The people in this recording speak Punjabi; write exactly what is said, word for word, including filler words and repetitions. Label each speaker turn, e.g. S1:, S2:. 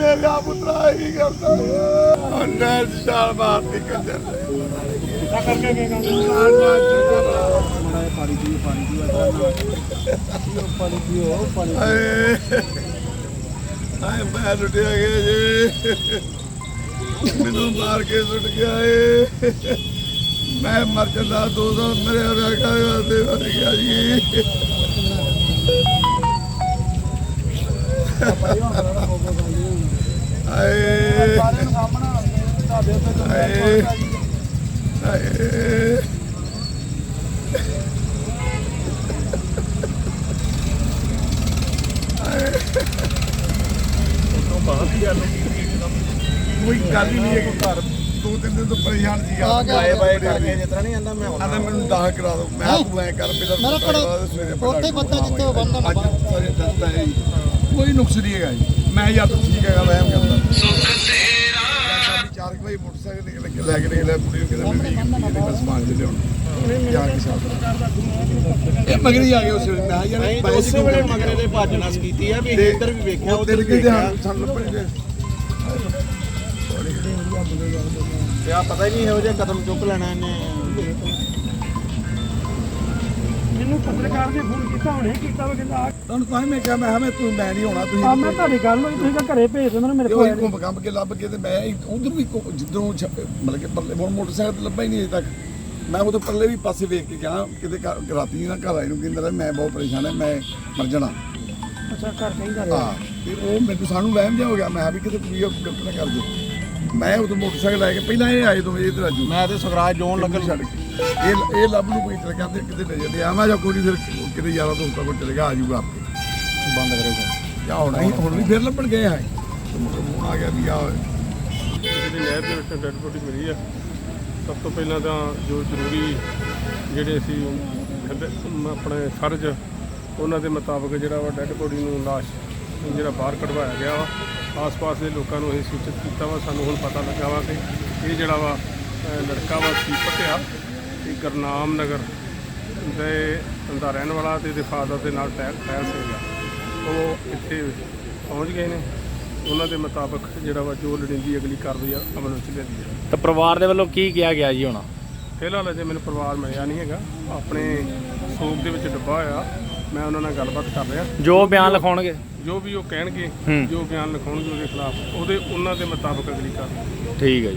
S1: मेरा पुत्रा ही करता है साल मारती कंजर
S2: करके पानी पियो पानी पियो पानी पियो पानी
S1: आए मैं लुटिया गया जी मैनू मार के सुट गया है मैं मर जाता दो सौ मेरे मर गया जी कोई गल ही नहीं है कि घर दो तीन दिन तो परेशान थी बाए बाए करके जितना नहीं आंदा मैं आंदा मैनू दाह करा दो मैं तू ऐ कर मेरा
S2: ਉੱਥੇ ਬੱਤਾ ਜਿੱਥੇ ਉਹ ਬੰਦਾ
S1: ਅੱਜ ਸਾਰੇ ਦੱਸਦਾ ਹੈ ਕੋਈ ਨੁਕਸ ਨਹੀਂ ਹੈਗਾ ਜੀ ਮੈਂ ਜਾਂ ਤਾਂ ਠੀਕ ਹੈਗਾ ਵਹਿਮ ਕਰਦਾ ਚਾਰ ਵਜੇ ਮੋਟਰਸਾਈਕਲ ਨਿਕਲ ਕੇ ਲੈ ਕੇ ਨਿਕਲਿਆ ਕੁੜੀ ਨੂੰ ਕਹਿੰਦਾ ਮੈਂ ਬਸ ਸਮਾਨ ਦੇ ਲਿਆਉਣਾ ਜਾ ਕੇ ਸਾਥ ਇਹ ਮਗਰੀ ਆ ਗਏ ਉਸ ਵੇਲੇ ਮੈਂ ਯਾਰ
S2: ਉਸੇ ਵੇਲੇ ਮਗਰੇ ਦੇ ਭੱਜਣਾ ਕੀਤੀ ਆ ਵੀ ਇੱਧਰ ਵੀ ਵੇਖਿਆ
S1: ਉੱਧਰ ਵੀ ਵੇਖਿਆ ਸਾਨੂੰ ਲੱਭਣਗੇ
S2: ਤੇ ਆ ਪਤਾ ਹੀ ਨਹੀਂ ਇਹੋ ਜਿਹਾ ਕਦਮ ਚੁੱਕ ਲੈਣਾ ਇਹਨੇ ਮੈਨੂੰ ਪੱਤਰਕਾਰ ਨੇ ਫੋਨ ਕੀਤਾ ਹੁਣੇ ਕੀਤਾ ਵਾ ਕਹਿੰਦਾ
S1: ਤੁਹਾਨੂੰ ਤਾਂ ਮੈਂ ਕਿਹਾ ਮੈਂ ਮੈਂ ਤੂੰ ਮੈਂ ਨਹੀਂ ਹੋਣਾ ਤੁਸੀਂ
S2: ਆ ਮੈਂ ਤੁਹਾਡੀ ਗੱਲ ਹੋਈ ਤੁਸੀਂ ਘਰੇ ਭੇਜ ਦਿਓ ਮੈਨੂੰ ਮੇਰੇ
S1: ਕੋਈ
S2: ਕੋਲ
S1: ਘੁੰਮ ਕੰਬ ਕੇ ਲੱਭ ਕੇ ਤੇ ਮੈਂ ਉਧਰ ਵੀ ਜਿੱਦੋਂ ਮਤਲਬ ਕਿ ਪਰਲੇ ਹੁਣ ਮੋਟਰਸਾਈਕਲ ਤੇ ਲੱਭਾ ਹੀ ਨਹੀਂ ਅਜੇ ਤੱਕ ਮੈਂ ਉਹਦੇ ਪਰਲੇ ਵੀ ਪਾਸੇ ਵੇਖ ਕੇ ਗਿਆ ਕਿਤੇ ਰਾਤੀ ਨਾ ਘਰ ਆਏ ਨੂੰ ਕਹਿੰਦਾ ਮੈਂ ਬਹੁਤ ਪਰੇਸ਼ਾਨ ਹੈ ਮੈਂ ਮਰ ਜਾਣਾ
S2: ਅੱਛਾ ਘਰ ਕਹਿੰਦਾ
S1: ਹਾਂ ਤੇ ਉਹ ਮੈਨੂੰ ਸਾਨੂੰ ਵਹਿਮ ਜਿਹਾ ਹੋ ਗਿਆ ਮੈਂ ਵੀ ਕਿਤੇ ਕੋਈ ਗਲਤ ਨਾ ਕਰ ਜੇ ਮੈਂ ਉਦੋਂ ਮੋਟਰਸਾਈਕਲ ਲੈ ਕੇ ਪਹਿਲਾਂ ਇਹ ਆਏ ਦੋਵੇਂ ਇਧਰ ਆਜੂ
S2: ਮੈਂ ਤੇ ਸਵਰਾਜ ਜੋਨ ਲੱਗਣ
S1: ਛੱਡ ਕੇ ਇਹ ਇਹ ਲੱਭ ਨੂੰ ਕੋਈ ਚਲ ਗਿਆ ਤੇ ਕਿਤੇ ਲੈ ਜਾਂਦੇ ਆ ਮੈਂ ਜਾਂ ਕੋਈ ਫਿਰ ਕਿਤੇ ਯਾਰਾ ਦੋਸਤਾਂ ਕੋਲ ਚਲੇ ਗਿਆ ਆ ਜੂਗਾ ਆਪੇ
S2: ਬੰਦ ਕਰੇਗਾ
S1: ਕਿਆ ਹੋਣਾ ਸੀ ਹੁਣ ਵੀ ਫਿਰ ਲੱਭਣ ਗਏ ਆ ਫੋਨ ਆ ਗਿਆ ਵੀ ਆ
S3: ਜਿਹੜੀ ਨਹਿਰ ਦੇ ਵਿੱਚ ਡੈਡ ਬੋਡੀ ਮਿਲੀ ਆ ਸਭ ਤੋਂ ਪਹਿਲਾਂ ਤਾਂ ਜੋ ਜ਼ਰੂਰੀ ਜਿਹੜੇ ਅਸੀਂ ਆਪਣੇ ਫਰਜ਼ ਉਹਨਾਂ ਦੇ ਮੁਤਾਬਕ ਜਿਹੜਾ ਵਾ ਡੈਡ ਬੋਡੀ ਨੂੰ ਲਾਸ਼ ਜਿਹੜਾ ਬਾਹਰ ਕਢਵਾਇਆ ਗਿਆ ਵਾ ਆਸ-ਪਾਸ ਦੇ ਲੋਕਾਂ ਨੂੰ ਇਹ ਸੂਚਿਤ ਕੀਤਾ ਵਾ ਸਾਨੂੰ ਹੁਣ ਪਤਾ ਲੱਗਾ ਵਾ ਕਿ ਇਹ ਜਿਹੜਾ ਵਾ ਲੜਕਾ ਵਾ ਸੀਪਤ ਆ ਇਹ ਗੁਰਨਾਮ ਨਗਰ ਦੇ ਦਾ ਰਹਿਣ ਵਾਲਾ ਤੇ ਇਹਦੇ ਫਾਦਰ ਦੇ ਨਾਲ ਟੈਰ ਟੈਰ ਸੀਗਾ ਉਹ ਇੱਥੇ ਪਹੁੰਚ ਗਏ ਨੇ ਉਹਨਾਂ ਦੇ ਮੁਤਾਬਕ ਜਿਹੜਾ ਵਾ ਜੋ ਲੋੜੀਂਦੀ ਅਗਲੀ ਕਾਰਵਾਈ ਅਮਲ ਵਿੱਚ ਲਿਆਂਦੀ ਹੈ।
S4: ਤਾਂ ਪਰਿਵਾਰ ਦੇ ਵੱਲੋਂ ਕੀ ਕਿਹਾ ਗਿਆ ਜੀ ਹੁਣ?
S3: ਫਿਲਹਾਲ ਅਜੇ ਮੈਨੂੰ ਪਰਿਵਾਰ ਮਿਲਿਆ ਨਹੀਂ ਹੈਗਾ ਆਪਣੇ ਸੋਗ ਦੇ ਵਿੱਚ ਡੱਬਾ ਹੋਇਆ ਮੈਂ ਉਹਨਾਂ ਨਾਲ ਗੱਲਬਾਤ ਕਰ ਰਿਹਾ
S4: ਜੋ ਬਿਆਨ ਲਿਖਾਉਣਗੇ
S3: ਜੋ ਵੀ ਉਹ ਕਹਿਣਗੇ ਜੋ ਬਿਆਨ ਲਿਖਾਉਣਗੇ ਉਹਦੇ ਖਿਲਾਫ ਉਹਦੇ ਉਹਨਾਂ ਦੇ ਮੁਤਾਬਕ ਅਗਲੀ ਕਾਰਵਾਈ
S4: ਠੀਕ ਹੈ ਜੀ।